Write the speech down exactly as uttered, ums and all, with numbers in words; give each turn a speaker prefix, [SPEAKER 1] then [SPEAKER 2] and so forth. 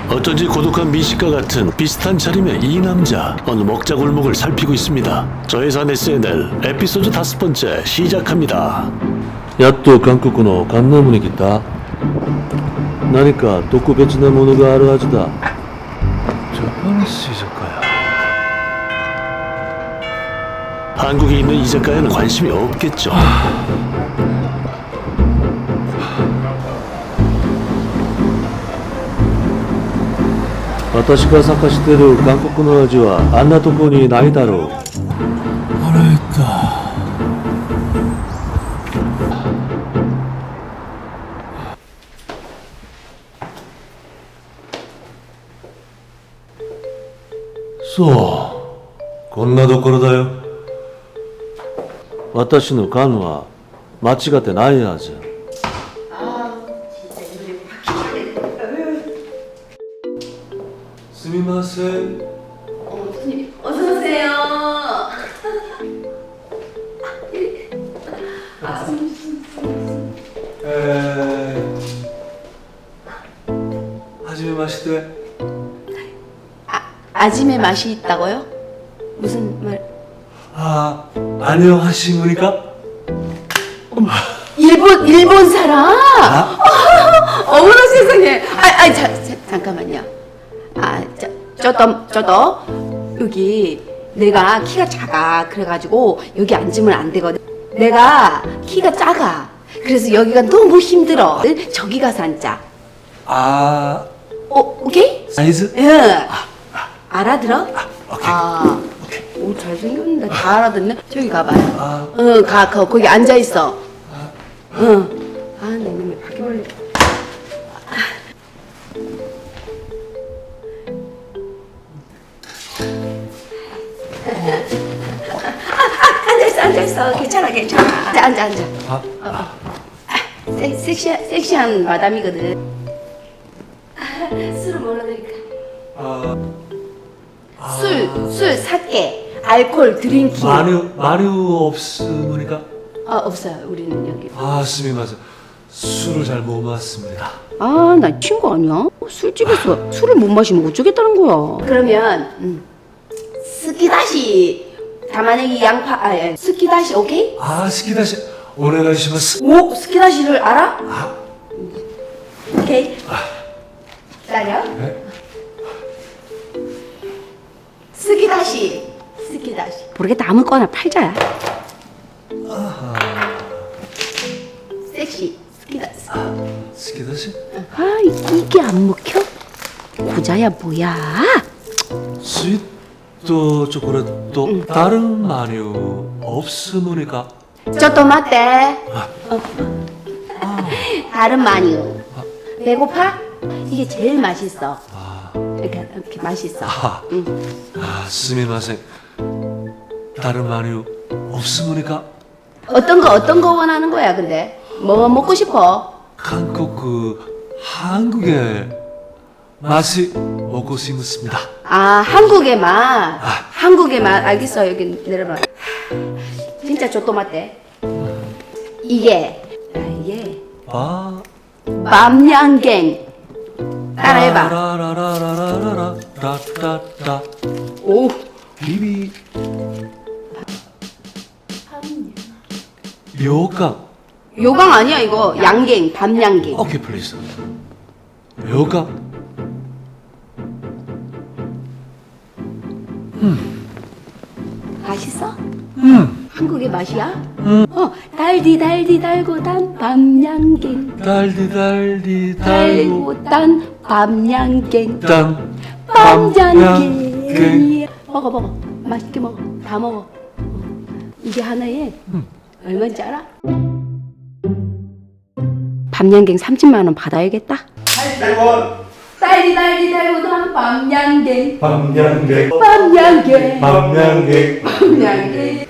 [SPEAKER 1] 어쩐지 고독한 미식가 같은 비슷한 차림의 이 남자 어느 먹자 골목을 살피고 있습니다. 저예산 에스엔엘 에피소드 다섯 번째 시작합니다.
[SPEAKER 2] やっと韓国のカンナムに来た。何か特別なものがあるはずだ。ジャパニス居酒屋。
[SPEAKER 1] 한국에 있는 이자카야는 관심이 없겠죠.
[SPEAKER 2] 私が探してる韓国の味はあんなとこにないだろう。腹減った。そう、こんなところだよ。私の勘は間違ってないはず。すみません。
[SPEAKER 3] 어서 오세요.
[SPEAKER 2] 에... はじめまして。
[SPEAKER 3] 아, 아짐의 맛이 있다고요? 무슨 말?
[SPEAKER 2] 아, 안녕하십니까?
[SPEAKER 3] 일본 일본 사람? 어머나 세상에. 아, 아, 자, 자, 잠깐만요. 아, 저, 저도 저도 여기 내가 키가 작아. 그래가지고 여기 앉으면 안 되거든. 내가 키가 작아. 그래서 여기가 너무 힘들어. 저기 가서 앉자.
[SPEAKER 2] 아,
[SPEAKER 3] 어, 오케이?
[SPEAKER 2] 사이즈?
[SPEAKER 3] 응. 알아들어?
[SPEAKER 2] 아, 오케이.
[SPEAKER 3] 아, 오, 잘생겼는데 다 알아듣네. 저기 가봐요.
[SPEAKER 2] 아.
[SPEAKER 3] 응, 가, 거, 거기 앉아 있어. 응. 아, 내 놈의 바퀴벌레. 아, 앉아 있어, 앉아 있어. 괜찮아, 괜찮아. 앉아, 앉아, 앉아.
[SPEAKER 2] 아,
[SPEAKER 3] 아, 섹, 섹시한, 섹시한 마담이거든. 아, 술을 뭘로 드릴까?
[SPEAKER 2] 아,
[SPEAKER 3] 술, 술, 사케, 알코올, 드링킹.
[SPEAKER 2] 마류, 마류 없습니까?
[SPEAKER 3] 아, 없어요. 우리는 여기.
[SPEAKER 2] 아, 스미마세. 술을 잘 못 마십니다.
[SPEAKER 3] 아, 나 친구 아니야? 술집에서 술을 못 마시면 어쩌겠다는 거야. 그러면 음. 스키다시 담아내기 양파, 아, 예. 스키다시 오케이?
[SPEAKER 2] 아, 스키다시 오네가이시마스.
[SPEAKER 3] 오, 스키다시를 알아? 아. 오케이. 기다려.
[SPEAKER 2] 네?
[SPEAKER 3] 스키다시, 스키다시. 모르겠다. 아무거나 팔자. 섹시, 스키다시.
[SPEAKER 2] 스키다시?
[SPEAKER 3] 아, 이게 안 먹혀? 고자야 뭐야?
[SPEAKER 2] 스위트 초콜릿도 다른 마류 없습니까?
[SPEAKER 3] 저또 맞대. 어. 다른 마뉴. 배고파? 이게 제일 맛있어.
[SPEAKER 2] 아,
[SPEAKER 3] 이렇게, 이렇게 맛있어.
[SPEAKER 2] 아,
[SPEAKER 3] 응.
[SPEAKER 2] 아, 스미마세. 다른 마류 없습니까?
[SPEAKER 3] 어떤 거 어떤 거 원하는 거야? 근데 뭐 먹고 싶어?
[SPEAKER 2] 한국 그 한국의 맛이 먹고 싶습니다.
[SPEAKER 3] 아, 한국의 맛. 한국의 맛. 알겠어. 여기 내려봐. 진짜 저또 맞대. 이게 아, 이게
[SPEAKER 2] 아,
[SPEAKER 3] 밤양갱. 따라해봐.
[SPEAKER 2] 라라라라라라라 라라라
[SPEAKER 3] 오.
[SPEAKER 2] 비비 요강.
[SPEAKER 3] 요강 아니야 이거. 양갱. 밤양갱.
[SPEAKER 2] 오케이 플리즈. 요강.
[SPEAKER 3] 맛있어?
[SPEAKER 2] 음.
[SPEAKER 3] 한국의 맛이야? 어, 달디 달디 달고 단 밤양갱.
[SPEAKER 2] 달디 달디 달고
[SPEAKER 3] 달고 단 밤양갱.
[SPEAKER 2] 땀
[SPEAKER 3] 밤양갱. 먹어 먹어. 맛있게 먹어. 다 먹어. 어. 이게 하나에 얼마인지 알아? 밤양갱 삼십만 원 받아야겠다.
[SPEAKER 4] 팔백 원.
[SPEAKER 3] 달디 달디 달고 단 밤양갱.
[SPEAKER 4] 밤양갱.
[SPEAKER 3] 밤양갱.
[SPEAKER 4] 밤양갱.
[SPEAKER 3] 밤양갱.